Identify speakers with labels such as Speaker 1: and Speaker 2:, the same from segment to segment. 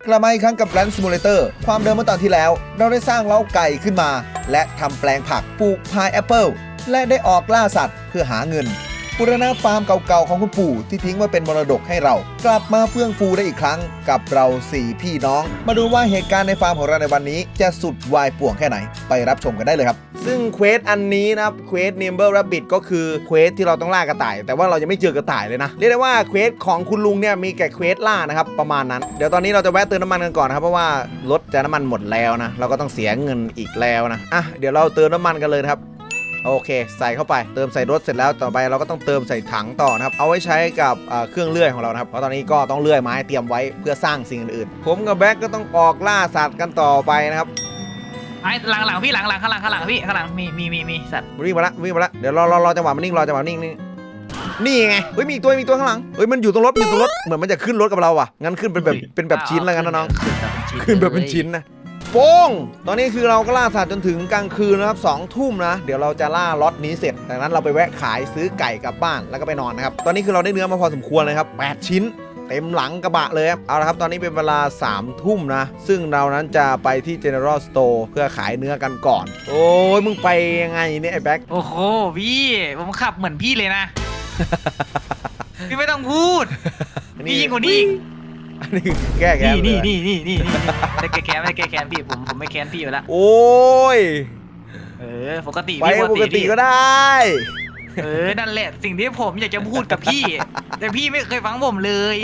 Speaker 1: กลับมาอีกครั้งกับ Land Simulator ความเดิมเมื่อตอนที่แล้วเราได้สร้างเล้าไก่ขึ้นมาและทำแปลงผักปลูกพายแอปเปิลและได้ออกล่าสัตว์เพื่อหาเงินบูรณะฟาร์มเก่าๆของคุณปู่ที่ทิ้งไว้เป็นมรดกให้เรากลับมาเฟื่องฟูได้อีกครั้งกับเรา4พี่น้องมาดูว่าเหตุการณ์ในฟาร์มของเราในวันนี้จะสุดวายป่วงแค่ไหนไปรับชมกันได้เลยครับซึ่งเควสอันนี้นะครับเควส Nimble Rabbit ก็คือเควสที่เราต้องล่ากระต่ายแต่ว่าเรายังไม่เจอกระต่ายเลยนะเรียกได้ว่าเควสของคุณลุงเนี่ยมีแค่เควสล่านะครับประมาณนั้นเดี๋ยวตอนนี้เราจะแวะเติมน้ำมันกันก่อนนะครับเพราะว่ารถจะน้ำมันหมดแล้วนะเราก็ต้องเสียเงินอีกแล้วนะเดี๋ยวเราเติมน้ำมันกันเลยครับโอเคใส่เข้าไปเติมใส่รถเสร็จแล้วต่อไปเราก็ต้องเติมใส่ถังต่อนะครับเอาไว้ใช้กับเครื่องเลื่อยของเรานะครับเพราะตอนนี้ก็ต้องเลื่อยไม้เตรียมไว้เพื่อสร้างสิ่งอื่นๆผมกับแบ็กก็ต้องออกล่าสัตว์กันต่อไปนะครับ
Speaker 2: หลังพี่หลังข้างหลังพี่ข้างหลังมีสัตว์
Speaker 1: วิ่งมาละเดี๋ยวรอจังหวะมันนิ่งนี่ไงเฮ้ยมีอีกตัวข้างหลังเฮ้ยมันอยู่ตรงรถเหมือนมันจะขึ้นรถกับเราอ่ะงั้นขึ้นเป็นแบบชิ้นแล้วกันนะน้องขึ้นแบบเป็นชิ้นนะโป้งตอนนี้คือเราก็ล่าสัตว์จนถึงกลางคืนนะครับ2 ทุ่มนะเดี๋ยวเราจะล่าล็อตนี้เสร็จจากนั้นเราไปแวะขายซื้อไก่กลับบ้านแล้วก็ไปนอนนะครับตอนนี้คือเราได้เนื้อมาพอสมควรเลยครับ8 ชิ้นเต็มหลังกระบะเลยครับเอาละครับตอนนี้เป็นเวลา3 ทุ่มนะซึ่งเรานั้นจะไปที่ General Store เพื่อขายเนื้อกันก่อนโอ้ยมึงไปยังไงเนี่ยไอ้แบ็ค
Speaker 2: โอ้โหพี่ผมขับเหมือนพี่เลยนะ พี่ไม่ต้องพูดพี่ยิ่งกว่านี้
Speaker 1: อันนี้แก้แค้น
Speaker 2: นี่ไม่แก้แค้นพี่ผมไม่แค้นพี่อยู่แล้ว
Speaker 1: โอ้ย
Speaker 2: ปกติ
Speaker 1: ไปปกติก็ได้
Speaker 2: นั่นแหละสิ่งที่ผมอยากจะพูดกับพี่แต่พี่ไม่เคยฟังผมเลย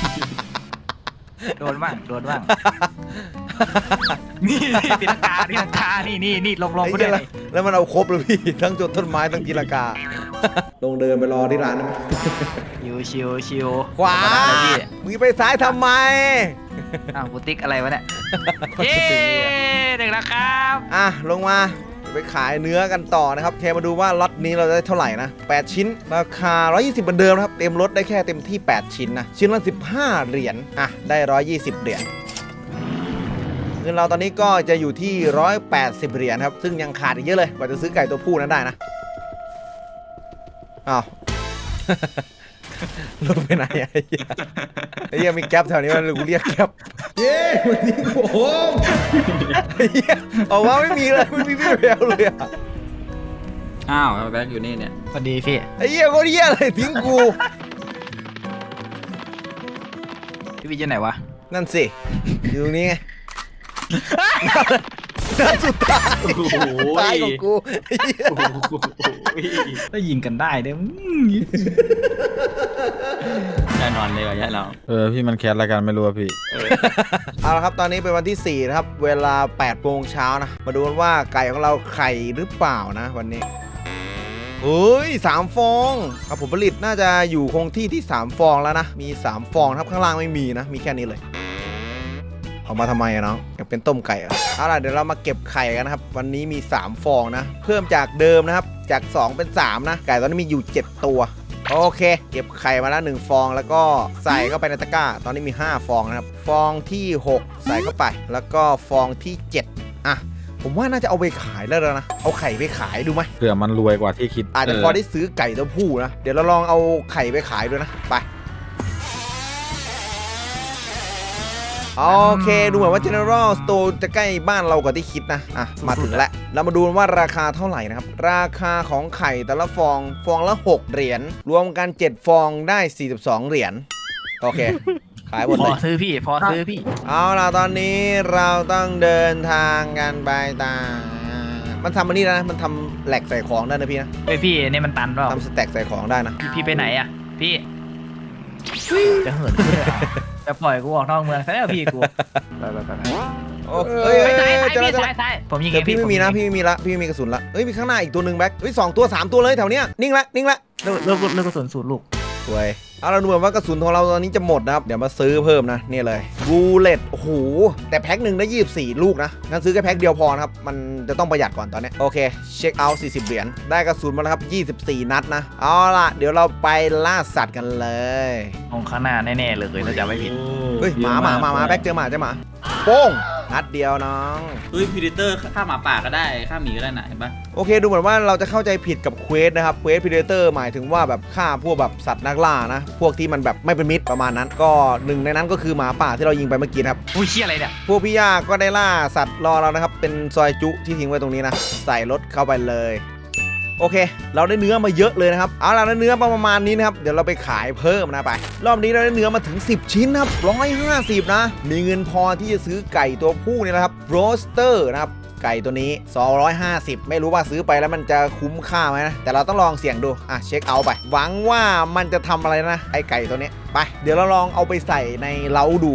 Speaker 2: โดนบ้างนี่ตีลังกานี่ลงไปเลย
Speaker 1: แล้วมันเอาครบเลยพี่ทั้งจนต้นไม้ทั้งกีฬากาลงเดินไปรอที่ร้านนะ
Speaker 2: ชิว
Speaker 1: ขวามึงไปซ้ายทำไม
Speaker 2: กูติ๊กอะไรวะเนี่ยเย้เด็กแล้วครับ
Speaker 1: ลงมาไปขายเนื้อกันต่อนะครับเทมาดูว่าล็อตนี้เราได้เท่าไหร่นะ8 ชิ้นราคา120เหมือนเดิมครับเต็มรถได้แค่เต็มที่8 ชิ้นนะชิ้นละ15 เหรียญได้120 เหรียญเงินเราตอนนี้ก็จะอยู่ที่180 เหรียญครับซึ่งยังขาดอีกเยอะเลยกว่าจะซื้อไก่ตัวผู้นั้นได้นะรถไปไหนไอ้เหี้ยมีแก๊ปแถวนี้มันกูเรียกแก๊ปเย้วันนี้ผมไอ้เหี้ยออกมาไม่มีเลยไม่มีพี่แววเลย
Speaker 3: แบ็คอยู่นี่เนี่ย
Speaker 2: สวัสดีพี่
Speaker 1: ไอ้เหี้ยโคตรเหี้ยเลยทิ้งกู
Speaker 2: พี่วิทย์อยู่ไหนวะ
Speaker 1: นั่นสิอยู่ตรงนี้ไงนั่นสุดท้ายของกู
Speaker 2: ได้ยิงกันได้เด้
Speaker 3: แน่นอนเลยว่ะเรา
Speaker 4: พี่มันแคสรายการไม่รู้พี่
Speaker 1: เอาละครับตอนนี้เป็นวันที่4นะครับเวลา8 โมงเช้านะมาดูกันว่าไก่ของเราไข่หรือเปล่านะวันนี้เฮ้ย3 ฟองผลผลิตน่าจะอยู่คงที่3 ฟองแล้วนะมี3 ฟองครับข้างล่างไม่มีนะมีแค่นี้เลยเอามาทำไมอะน้องอยากเป็นต้มไก่เอาล่ะเดี๋ยวเรามาเก็บไข่กันนะครับวันนี้มี3 ฟองนะเพิ่มจากเดิมนะครับจาก2เป็น3นะไก่ตอนนี้มีอยู่7 ตัวโอเคเก็บไข่มาแล้ว1 ฟองแล้วก็ใส่เข้าไปในตะกร้าตอนนี้มี5 ฟองนะครับฟองที่6ใส่เข้าไปแล้วก็ฟองที่7ผมว่าน่าจะเอาไปขายแล้วนะเอาไข่ไปขายดูไหม
Speaker 4: เผื่อมันรวยกว่าที่คิด
Speaker 1: อาจจะพอได้ซื้อไก่ตัวผู้นะเดี๋ยวเราลองเอาไข่ไปขายด้วยนะไปโอเคดูเหมือนว่า General Store จะใกล้บ้านเรากว่าที่คิดนะมาถึงแล้วเรามาดูว่าราคาเท่าไหร่นะครับราคาของไข่แต่ละฟองละ6 เหรียญรวมกัน7 ฟองได้42 เหรียญโอเคขายหมดเลย
Speaker 2: พอซื้อพี่
Speaker 1: เอาล่ะตอนนี้เราต้องเดินทางกันไปตามมันทำอันนี้นะมันทำแหลกใส่ของได้นะพี่นะ
Speaker 2: พี่นี่มันตันเปล่า
Speaker 1: ทำสแต็กใส่ของได้นะ
Speaker 2: พี่ไปไหนอะพี่จะเหินจะปล่อยกูออกนอกเมืองใช่ไหมพี่กูไป
Speaker 1: โอ้ย
Speaker 2: ใช่ผมยิง
Speaker 1: พี่ไม่มีนะพี่ไม่มีละพี่ไม่มีกระสุนละมีข้างหน้าอีกตัวหนึ่งแบ็ค2 ตัว 3 ตัวเลยแถวเนี้ยนิ่งละ
Speaker 2: เลิกกระสุนสูตรลูก
Speaker 1: สวยเอาเราดูว่ากระสุนของเราตอนนี้จะหมดนะครับเดี๋ยวมาซื้อเพิ่มนะนี่เลยบูเลตโอ้โหแต่แพ็คหนึ่งได้24 ลูกนะงั้นซื้อแค่แพ็คเดียวพอนะครับมันจะต้องประหยัดก่อนตอนนี้โอเคเช็คเอาท์40 เหรียญได้กระสุนมาแล้วครับ24 นัดนะเอาล่ะเดี๋ยวเราไปล่าสัตว์กันเลย
Speaker 2: ตรงข้างหน้าแน่ๆเลยถ้าจะไม่ผิด
Speaker 1: เฮ้ยหมาแบ็คเจอหมาโป้งนัดเดียวน้อง
Speaker 3: เฮ้ยพีเดเตอร์ฆ่าหมาป่าก็ได้ฆ่าหมีก็ได้นะเห็นปะ
Speaker 1: โอเคดูเหมือนว่าเราจะเข้าใจผิดกับเควสนะครับเควสพีเดเตอร์หมายถึงว่าแบบฆ่าพวกแบบสัตว์นักล่านะพวกที่มันแบบไม่เป็นมิตรประมาณนั้นก็หนึ่งในนั้นก็คือหมาป่าที่เรายิงไปเมื่อกี้ครับ
Speaker 2: อุ้ยเชี่ยอะไรเนี่ย
Speaker 1: พวกพี่ย่าก็ได้ล่าสัตว์รอเรานะครับเป็นซอยจุที่ทิ้งไว้ตรงนี้นะใส่รถเข้าไปเลยโอเคเราได้เนื้อมาเยอะเลยนะครับเอาล่ะได้เนื้อประมาณนี้นะครับเดี๋ยวเราไปขายเพิ่มนะไปรอบนี้เราได้เนื้อมาถึง10ชิ้นครับ150นะมีเงินพอที่จะซื้อไก่ตัวผู้เนี่ยนะครับโรสเตอร์นะครับไก่ตัวนี้250ไม่รู้ว่าซื้อไปแล้วมันจะคุ้มค่าไหมนะแต่เราต้องลองเสี่ยงดูเช็คเอาท์ไปหวังว่ามันจะทำอะไรนะไอไก่ตัวนี้ไปเดี๋ยวเราลองเอาไปใส่ในเล้าดู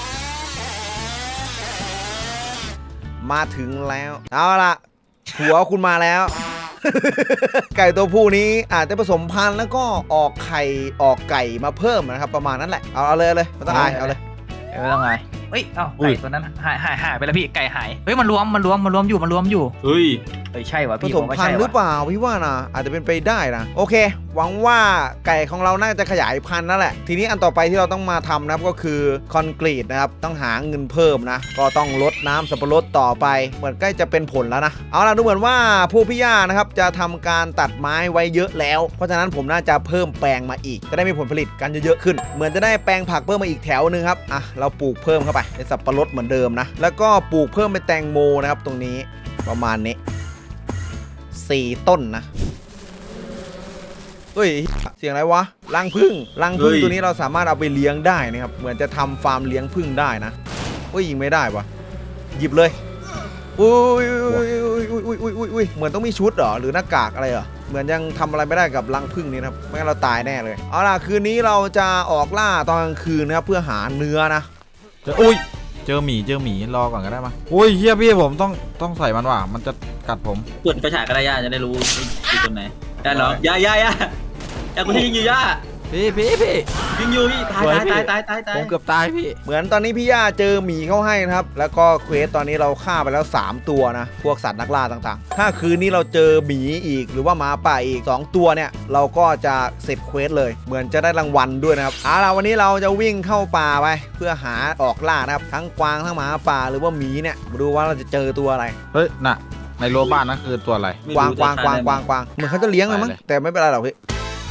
Speaker 1: มาถึงแล้วเอาล่ะหัวคุณมาแล้ว ไก่ตัวผู้นี้อาจจะผสมพันธุ์แล้วก็ออกไข่ออกไก่มาเพิ่มนะครับประมาณนั้นแหละเอาเลยไม่ต้องอายเอาเลย
Speaker 2: ไม่ต้องไงเฮ้ยเอ้าไก่ตัวนั้นหายไปแล้วพี่ไก่หายเฮ้ยมันรวมอยู่
Speaker 3: เฮ้ย
Speaker 2: เฮ้ยใช่วะ
Speaker 1: ผ
Speaker 2: พี่
Speaker 1: สมพันธุ์หรือเปล่าพี่ว่านะอาจจะเป็นไปได้นะโอเคหวังว่าไก่ของเราน่าจะขยายพันธุ์นั่นแหละทีนี้อันต่อไปที่เราต้องมาทำนะครับก็คือคอนกรีตนะครับต้องหาเงินเพิ่มนะก็ต้องลดน้ำสับปะรดต่อไปเหมือนใกล้จะเป็นผลแล้วนะเอาล่ะดูเหมือนว่าผู้พี่ย่านะครับจะทำการตัดไม้ไว้เยอะแล้วเพราะฉะนั้นผมน่าจะเพิ่มแปลงมาอีกจะได้มีผลผลิตกันเยอะๆขึ้นเหมือนจะได้แปลงผักเพิ่มมาอีกแถวนึงครับเราปลูกเพิ่มเข้าไปเป็นสับปะรดเหมือนเดิมนะแล้วก็ปลูกเพิ่มเป็นแตงโมนะครับตรงนี้ประมาณนี้4 ต้นนะเฮ้ยเสียงอะไรวะรังผึ้งตัวนี้เราสามารถเอาไปเลี้ยงได้นะครับเหมือนจะทำฟาร์มเลี้ยงผึ้งได้นะเฮ้ยยิงไม่ได้วะหยิบเลยอุ้ยเหมือนต้องมีชุดเหรอหรือหน้ากากอะไรเหรอเหมือนยังทำอะไรไม่ได้กับรังผึ้งนี้นะครับไม่งั้นเราตายแน่เลยเอาล่ะคืนนี้เราจะออกล่าตอนกลางคืนนะครับเพื่อหาเนื้อนะ
Speaker 4: เจอหมีรอก่อนก็ได้มั้ยโอ้ยเฮียพี่ผมต้องใส่มันว่ะมันจะกัดผม
Speaker 3: เปิดไฟฉายก็ได้ย่าจะได้รู้ที่ตรงไหนย่าเหรอย่าคุณที่ยิงอยู่ย่า
Speaker 4: พี่
Speaker 3: ยิงอยู่พี่ตาย
Speaker 4: ผมเกือบตายพี่
Speaker 1: เหมือนตอนนี้พี่ย่าเจอหมีเข้าให้นะครับแล้วก็เควสตอนนี้เราฆ่าไปแล้ว3 ตัวนะพวกสัตว์นักล่าต่างๆถ้าคืนนี้เราเจอหมีอีกหรือว่าหมาป่าอีก2 ตัวเนี่ยเราก็จะเสร็จเควสเลยเหมือนจะได้รางวัลด้วยนะครับเอาล่ะวันนี้เราจะวิ่งเข้าป่าไปเพื่อหาออกล่านะครับทั้งกวางทั้งหมาป่าหรือว่าหมีเนี่ยมาดูว่าเราจะเจอตัวอะไร
Speaker 4: เฮ้ยน่ะในรั้วบ้านนั่นคือตัวอะไร
Speaker 1: กวางเหมือนเขาจะเลี้ยงเลยมั้งแต่ไม่เป็นไรหรอกพี่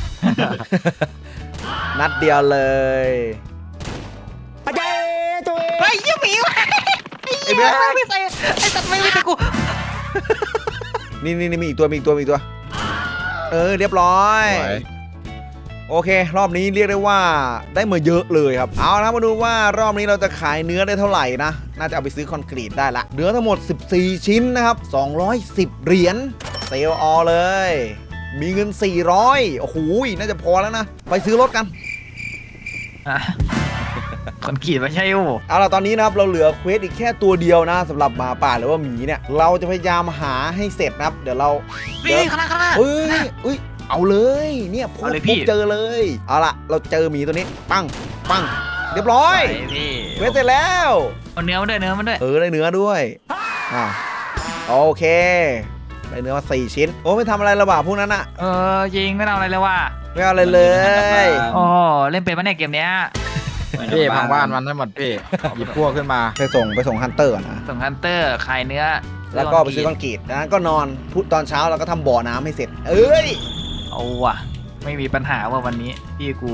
Speaker 1: นัดเดียวเลย
Speaker 2: เฮ้ยยี่หมีวะ
Speaker 1: ไอ้เบี้ย
Speaker 2: ไม่ใส่ไอ้สัตว์ไม่ใส่กู
Speaker 1: นี่มีอีกตัวเรียบร้อยโอเครอบนี้เรียกได้ว่าได้มาเยอะเลยครับเอาละมาดูว่ารอบนี้เราจะขายเนื้อได้เท่าไหร่นะน่าจะเอาไปซื้อคอนกรีตได้ละเนื้อทั้งหมด14 ชิ้นนะครับ210 เหรียญเซลล์ออเลยมีเงิน400โอ้โหน่าจะพอแล้วนะไปซื้อรถกัน
Speaker 2: คนขีดไม่ใช่โอ้
Speaker 1: เอาล่ะตอนนี้นะครับเราเหลือเควสอีกแค่ตัวเดียวนะสำหรับหมาป่าหรือว่าหมีเนี่ยเราจะพยายามหาให้เสร็จนะครับเดี๋ยวเรา
Speaker 2: พี่ข้างหน้า
Speaker 1: เอ้ยเอาเลยเนี่ยพบเจอเลยเอาล่ะเราเจอหมีตัวนี้ปังเรียบร้อยเควสเสร็จแล้ว
Speaker 2: เอาเนื้อมันด้วยได้เนื้อด้วย
Speaker 1: โอเคได้เนื้อมา4 ชิ้นโอ้ไม่ทำอะไรระบาดพวกนั้นอะ
Speaker 2: ยิงไม่ทำอะไรเลยว่ะ
Speaker 1: ไม่เอาอะไรเลย
Speaker 2: โอ้เล่นเป็นปะเนี่ยเกมเนี้ย
Speaker 4: พี่พังบ้านมันให้หมดพี่หยิบพวกขึ้นมา
Speaker 1: ไปส่งฮันเตอร์ก่อนนะ
Speaker 2: ส่งฮันเตอร์ขายเนื้อ
Speaker 1: แล้วก็ไปซื้อคอนกรีตจากนั้นก็นอนพุธตอนเช้าเราก็ทำบ่อน้ำให้เสร็จเอ้ย
Speaker 2: เอาว่ะไม่มีปัญหาว่าวันนี้พี่กู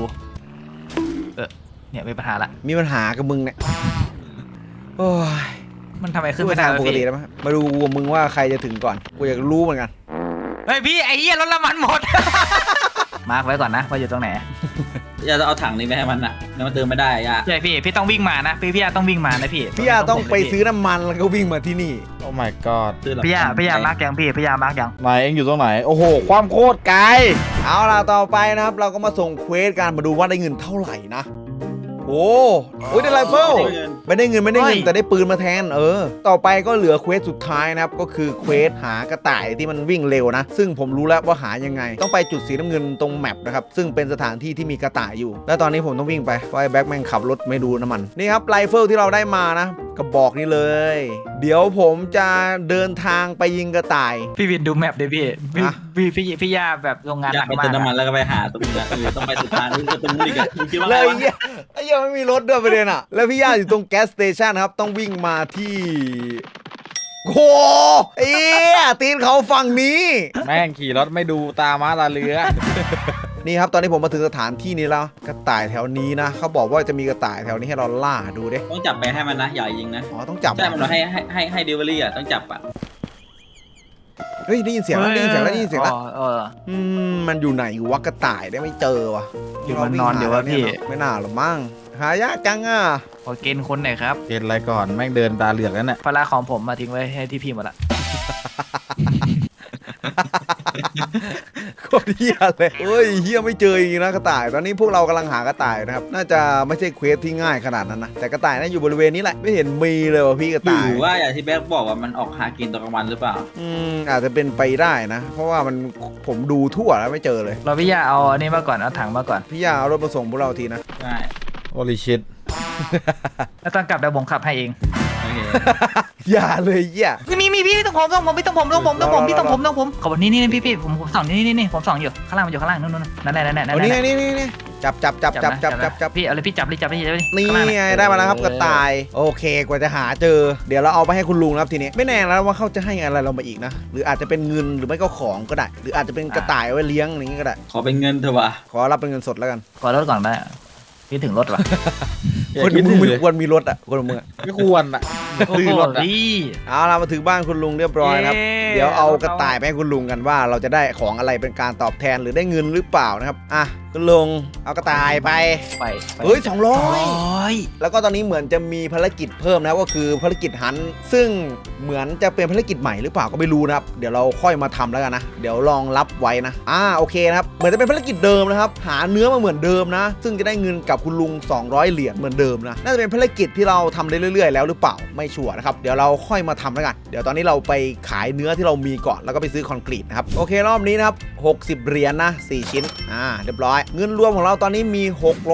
Speaker 2: เนี่ยมีปัญหาละ
Speaker 1: มีปัญหากับมึงเนี่ยโอ้ย
Speaker 2: มันทำไมขึ้นไม่ได้
Speaker 1: ปกติแล้วมั้ยมาดูมึงว่าใครจะถึงก่อนกูอยากรู้เหมือนกัน
Speaker 2: เฮ้ยพี่ไอ้เหี้ยรถละมันหมด มาร์คไว้ก่อนนะว่าอยู่ตรงไหน
Speaker 3: ย่าจะเอาถังนี้ไปให้มันอะแล้วมันเติมไม่ได้ย่า
Speaker 2: ใช่พี่ต้องวิ่งมานะพี่ย่าต้องวิ่งมานะพี่
Speaker 1: พี่ยาต้องไปซื้อน้ำมันแล้วก็วิ่งมาที่นี่
Speaker 4: โอ้ my god
Speaker 2: พี่ย่ามาร์คยังพี่ย่ามาร์คยัง
Speaker 4: ไหนเองอยู่ตรงไหนโอ้โหความโคตรไกล
Speaker 1: เอาล่ะต่อไปนะครับเราก็มาส่งเควสกันมาดูว่าได้เงินเท่าไหร่นะโอ้ยได้ไรเฟิลไม่ได้เงินแต่ได้ปืนมาแทนต่อไปก็เหลือเควสสุดท้ายนะครับก็คือเควสหากระต่ายที่มันวิ่งเร็วนะซึ่งผมรู้แล้วว่าหายังไงต้องไปจุดสีน้ำเงินตรงแมปนะครับซึ่งเป็นสถานที่ที่มีกระต่ายอยู่แล้วตอนนี้ผมต้องวิ่งไปเพราะไอ้แบ็คแม่งขับรถไม่ดูน้ำมันนี่ครับไรเฟิลที่เราได้มานะกระบอกนี้เลย เดี๋ยวผมจะเดินทางไปยิงกระต่าย
Speaker 2: พี่วินดูแมปดิพี่
Speaker 1: ฮะ
Speaker 2: พี่ย่าแบบโรงงาน
Speaker 3: อ
Speaker 2: ห
Speaker 3: ยา
Speaker 2: นั
Speaker 3: ก
Speaker 2: ก
Speaker 3: ไป
Speaker 2: มาก
Speaker 3: เติมน้ำมัน
Speaker 2: อะ
Speaker 3: แล้วก็ไปหาตรงนี้นะต้องไปสุดทางนี่ก็ตรงนู้นอีกอะมึงคิดว่า
Speaker 1: แล้ว
Speaker 3: ไง
Speaker 1: ไอ้
Speaker 3: วะ
Speaker 1: เหี้ยไอ้เหี้ยไม่มีรถด้วยประเด็นอ่ะ แล้วพี่ย่าอยู่ตรงแก๊สสเตชันครับ ต้องวิ่งมาที่โอ้โหไอ้เหี้ยตีนเขาฝั่งนี้
Speaker 4: แม่งขี่รถไม่ดูตาม้าตาเรือ
Speaker 1: นี่ครับตอนนี้ผมมาถึงสถานที่นี้แล้วกระต่ายแถวนี้นะเขาบอกว่าจะมีกระต่ายแถวนี้ให้เราล่าดูดิ
Speaker 3: ต้องจับไปให้มันนะอย่ายิงนะ
Speaker 1: อ๋อต้องจับ
Speaker 3: ใช่มันบอกให้เดลิเวอรี่อ่ะต้องจับอ่ะ
Speaker 1: เฮ้ยได้ยินเสียงแล้วได้ยินเสียงแล้วได้ยินเสียงแล้ว มันอยู่ไหนวะกระต่ายได้ไม่เจอวะ
Speaker 2: อยู่มันนอนเดี๋ยววะพี่
Speaker 1: ไม่น่าหรอกมั้งหายากจังอ่ะ
Speaker 2: ขอเกณฑ์คนหน่อยครับ
Speaker 4: เกณฑ์อะไรก่อนแม่งเดินตาเหลือกแล้วเนี่ย
Speaker 2: ภาระของผมมาทิ้งไว้ให้ที่พี่หมดละ
Speaker 1: โคตรเฮียเลยเฮ้ยเฮียไม่เจออีกนะกระต่ายตอนนี้พวกเรากำลังหากระต่ายนะครับน่าจะไม่ใช่เควสที่ง่ายขนาดนั้นนะแต่กระต่ายน่าอยู่บริเวณนี้แหละไม่เห็นมีเลยว่ะพี่กระ
Speaker 3: หรื
Speaker 1: ต่าย
Speaker 3: อว่าอย่างที่แบ๊กบอกว่ามันออกหากินตอนกลางวันหรือเปล่า
Speaker 1: อาจจะเป็นไปได้นะ เพราะว่าผมดูทั่วแล้วไม่เจอเลย
Speaker 2: เราพี่ย่าเอาอันนี้มาก่อนเอาถังมาก่อน
Speaker 1: พี่ย่าเอารถมาส่งพวกเราทีนะ
Speaker 3: ใช่
Speaker 4: โอลิชิต
Speaker 2: แล้วตอนกลับเดี๋ยวผมขับให้เอง
Speaker 3: โอเค
Speaker 1: อย่าเลยเหี้ย
Speaker 2: มีพี่ต้องผมพี่ต้องผมพี่ต้องผมขอบคุณนี่พี่ผมส่องนี่ผมส่องอยู่ข้างล่างมันอยู่ข้างล่างนู่นนั่นแหละ
Speaker 1: เอานี่จับ
Speaker 2: พี่เอาเลยพี่จับเลย
Speaker 1: นี่ไงได้มาแล้วครับกระต่ายโอเคกว่าจะหาเจอเดี๋ยวเราเอาไปให้คุณลุงนะครับทีนี้ไม่แน่แล้วว่าเขาจะให้อะไรเรามาอีกนะหรืออาจจะเป็นเงินหรือไม่ก็ของก็ได้ หรืออาจจะเป็นกระต่ายเอาไว้เลี้ยงอย่างงี้ก็ได้
Speaker 3: ขอเป็นเงินเถอะวะ
Speaker 1: ขอรับเป็นเงินสดแล้วกัน
Speaker 2: ขอรถก่อนได้พี่ถึงรถว่ะ
Speaker 1: คนมึงไม่ควรมีรถอ่ะคนมึง
Speaker 4: ไม่ควรอ่ะ
Speaker 1: ซื้อรถอะ
Speaker 2: พี่
Speaker 1: เอาเรามาถึงบ้านคุณลุงเรียบร้อยนะครับเดี๋ยวเอากระต่ายไปให้คุณลุงกันว่าเราจะได้ของอะไรเป็นการตอบแทนหรือได้เงินหรือเปล่านะครับอ่ะคุณลุงเอากระต่ายไป
Speaker 2: ไป
Speaker 1: เฮ้ย200แล้วก็ตอนนี้เหมือนจะมีภารกิจเพิ่มนะครับก็คือภารกิจฮันต์ซึ่งเหมือนจะเป็นภารกิจใหม่หรือเปล่าก็ไม่รู้นะครับเดี๋ยวเราค่อยมาทำแล้วกันนะเดี๋ยวลองรับไว้นะโอเคนะครับเหมือนจะเป็นภารกิจเดิมนะครับหาเนื้อมาเหมือนเดิมนะซึ่งจะได้เงินกับคุณลุง200เหรียญเหมือนเดิมนะน่าจะเป็นภารกิจที่เราทำได้เรื่อยๆแล้วหรือเปล่าไม่ชัวร์นะครับเดี๋ยวเราค่อยมาทำแล้วกันเดี๋ยวตอนนี้เราไปขายเนื้อที่เรามีก่อนแล้วก็ไปซื้อคอนกรีตนะครับโอเครอบนี้นะครับ60เหรียญนะ4ชิ้นเรียบร้อยเงินรวมของเราตอนนี้มี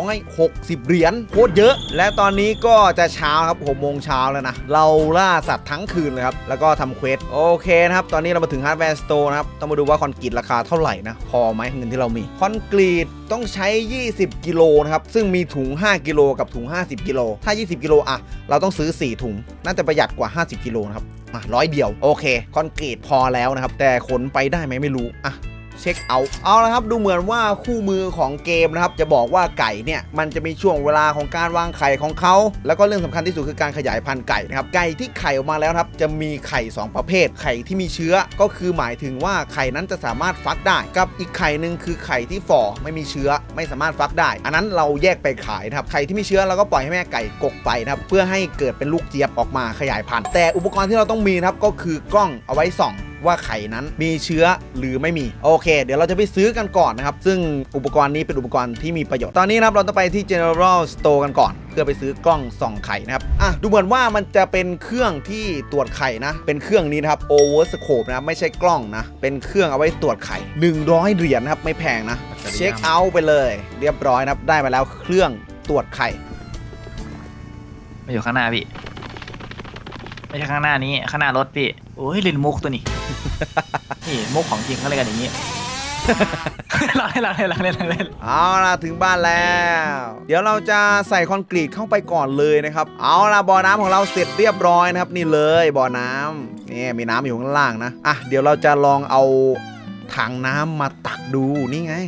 Speaker 1: 660เหรียญโคตรเยอะและตอนนี้ก็จะเช้าครับ6 โมงเช้าแล้วนะเราล่าสัตว์ทั้งคืนเลยครับแล้วก็ทำเควสโอเคนะครับตอนนี้เรามาถึงฮาร์ดแวร์สโตร์นะครับต้องมาดูว่าคอนกรีตราคาเท่าไหร่นะพอไหมเงินที่เรามีคอนกรีตต้องใช้20กิโลนะครับซึ่งมีถุง5กิโลกับถุง50กิโลถ้า20กิโลเราต้องซื้อ4ถุงน่าจะประหยัดกว่า50กิโลนะครับ100เดียวโอเคคอนกรีตพอแล้วนะครับแต่ขนไปได้ไหมไม่รู้เช็คเอาละครับดูเหมือนว่าคู่มือของเกมนะครับจะบอกว่าไก่เนี่ยมันจะมีช่วงเวลาของการวางไข่ของเขาแล้วก็เรื่องสำคัญที่สุดคือการขยายพันธุ์ไก่นะครับไก่ที่ไข่ออกมาแล้วครับจะมีไข่2ประเภทไข่ที่มีเชื้อก็คือหมายถึงว่าไข่นั้นจะสามารถฟักได้กับอีกไข่หนึ่งคือไข่ที่ฝ่อไม่มีเชื้อไม่สามารถฟักได้อันนั้นเราแยกไปขายนะครับไข่ที่มีเชื้อเราก็ปล่อยให้แม่ไก่กกไปนะครับเพื่อให้เกิดเป็นลูกเจี๊ยบออกมาขยายพันธุ์แต่อุปกรณ์ที่เราต้องมีนะครับก็คือกล้องเอาไว้ส่องว่าไข่นั้นมีเชื้อหรือไม่มีโอเคเดี๋ยวเราจะไปซื้อกันก่อนนะครับซึ่งอุปกรณ์นี้เป็นอุปกรณ์ที่มีประโยชน์ตอนนี้นะครับเราต้องไปที่ General Store กันก่อนเพื่อไปซื้อกล้องส่องไข่นะครับดูเหมือนว่ามันจะเป็นเครื่องที่ตรวจไข่นะเป็นเครื่องนี้นะครับ Overscope นะไม่ใช่กล้องนะเป็นเครื่องเอาไว้ตรวจไข่100เหรียญนะครับไม่แพงนะเช็คเอาท์ไปเลยเรียบร้อยนะครับได้มาแล้วเครื่องตรวจไข่
Speaker 2: มาอยู่ข้างหน้าพี่ไม่ใช่ข้างหน้านี้ข้างหน้ารถพี่โอ้ยลินมุกตัวนี้ นี่มุกของจริงเขาเลยกันอย่างนี้ เราเล่น
Speaker 1: เอาล่ะถึงบ้านแล้วเดี๋ยวเราจะใส่คอนกรีตเข้าไปก่อนเลยนะครับเอาล่ะบ่อน้ำของเราเสร็จเรียบร้อยนะครับนี่เลยบ่อน้ำนี่มีน้ำอยู่ข้างล่างนะเดี๋ยวเราจะลองเอาถังน้ำมาตักดูนี่ไง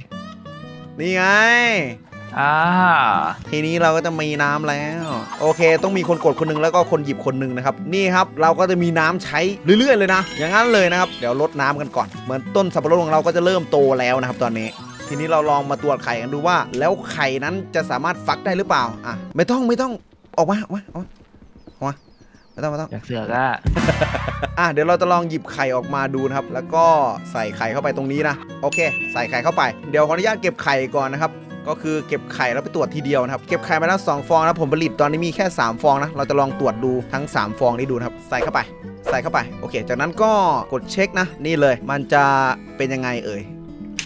Speaker 1: ทีนี้เราก็จะมีน้ำแล้วโอเคต้องมีคนกดคนนึงแล้วก็คนหยิบคนนึงนะครับนี่ครับเราก็จะมีน้ำใช้เรื่อยๆเลยนะอย่างนั้นเลยนะครับเดี๋ยวลดน้ำกันก่อนเหมือนต้นสับปะรดของเราก็จะเริ่มโตแล้วนะครับตอนนี้ทีนี้เราลองมาตรวจไข่กันดูว่าแล้วไข่นั้นจะสามารถฟักได้หรือเปล่าไม่ต้องออกมาไม่ต้อง
Speaker 2: อยากเสือก
Speaker 1: เดี๋ยวเราจะลองหยิบไข่ออกมาดูนะครับแล้วก็ใส่ไข่เข้าไปตรงนี้นะโอเคใส่ไข่เข้าไปเดี๋ยวขออนุญาตเก็บไข่ก่อนนะครับก็คือเก็บไข่แล้วไปตรวจทีเดียวนะครับเก็บไข่มาแล้ว2ฟองนะผมผลิตตอนนี้มีแค่3ฟองนะเราจะลองตรวจดูทั้ง3ฟองนี้ดูนะครับใส่เข้าไปโอเคจากนั้นก็กดเช็คนะนี่เลยมันจะเป็นยังไงเอ่ย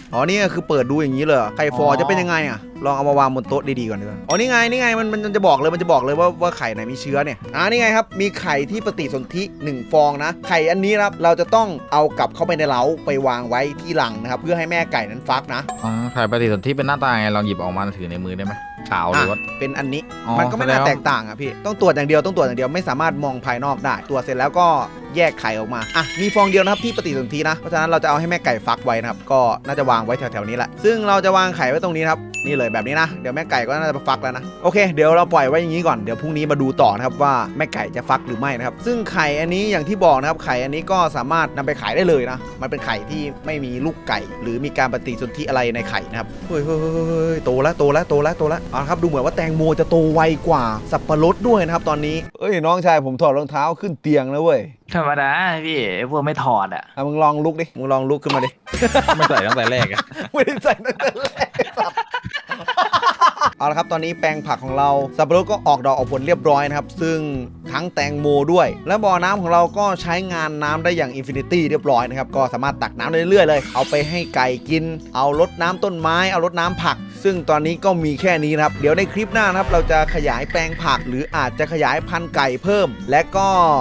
Speaker 1: อ๋อนี่คือเปิดดูอย่างนี้เลยไข่ฟอจะเป็นยังไงอ่ะลองเอามาวางบนโต๊ะดีๆก่อนดีกว่าอ๋อนี่ไงมันจะบอกเลยว่าไข่ไหนมีเชื้อเนี่ยนี่ไงครับมีไข่ที่ปฏิสนธิ1ฟองนะไข่อันนี้นะครับเราจะต้องเอากลับเข้าไปในเล้าไปวางไว้ที่รังนะครับเพื่อให้แม่ไก่นั้นฟักนะ
Speaker 4: ไข่ปฏิสนธิเป็นหน้าตาไงลองหยิบออกมาถือในมือได้ไหมขาวหรือว่า
Speaker 1: เป็นอันนี้
Speaker 4: อ๋อ
Speaker 1: มันก็ไม่น่า
Speaker 4: แสดงว่า
Speaker 1: แตกต่างอ่ะพี่ต้องตรวจอย่างเดียวไม่สามารถมองภายนอกได้ตรวจเสร็จแล้วก็แยกไข่ออกมามีฟองเดียวนะครับที่ปฏิสนธินะเพราะฉะนั้นเราจะเอาให้แม่ไก่ฟักไว้นะครับก็น่าจะวางไว้แถวๆนี้แหละซึ่งเราจะวางไข่ไว้ตรงนี้ครับนี่เลยแบบนี้นะเดี๋ยวแม่ไก่ก็น่าจะฟักแล้วนะโอเคเดี๋ยวเราปล่อยไว้อย่างนี้ก่อนเดี๋ยวพรุ่งนี้มาดูต่อนะครับว่าแม่ไก่จะฟักหรือไม่นะครับซึ่งไข่อันนี้อย่างที่บอกนะครับไข่อันนี้ก็สามารถนำไปขายได้เลยนะมันเป็นไข่ที่ไม่มีลูกไก่หรือมีการปฏิสนธิอะไรในไข่นะครับเฮ้ยโตแล้วเอาละครับดูเหมือนว่าแตงโมจะโตไวกว่าสับปะรดด้วยนะครับตอนนี้เอ้ยน้องชายผมถอดรองเท้าขึ้นเตียงแล้วเว้ย
Speaker 2: ธรรมดาพี่พวกไม่ถอดอ่ะ
Speaker 1: มึงลองลุกดิมึงลองลุกขึ้นมาดิ
Speaker 4: ไม่ใส่ตั้งแต่แรกอะ
Speaker 1: ไม่ได้ใส่ตั้งแต่แรกสัตว์ เอาละครับตอนนี้แปลงผักของเราสับปะรดก็ออกดอกออกผลเรียบร้อยนะครับซึ่งทั้งแตงโมด้วย และบ่อน้ำของเราก็ใช้งานน้ำได้อย่างอินฟินิตี้เรียบร้อยนะครับก็สามารถตักน้ำได้เรื่อยๆเลยเอาไปให้ไก่กินเอารดน้ำต้นไม้เอารดน้ำผัก ซึ่งตอนนี้ก็มีแค่นี้นะครับเดี๋ยวในคลิปหน้านะครับเราจะขยายแปลงผักหรืออาจจะขยายพันธุ์ไก่เพิ่มและก็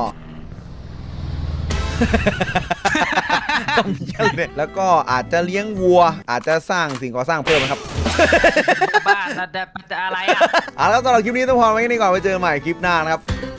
Speaker 1: ต้องมีอะไรเนี่ยแล้วก็อาจจะเลี้ยงวัว อาจจะสร้างสิ่งก่อสร้างเพิ่มนะครับ
Speaker 2: บ้านจะอะไรอ่ะ
Speaker 1: แล้วสำหรับคลิปนี้ต้องพอไว้แค่นี้ก่อนไว้เจอกันใหม่คลิปหน้านะครับ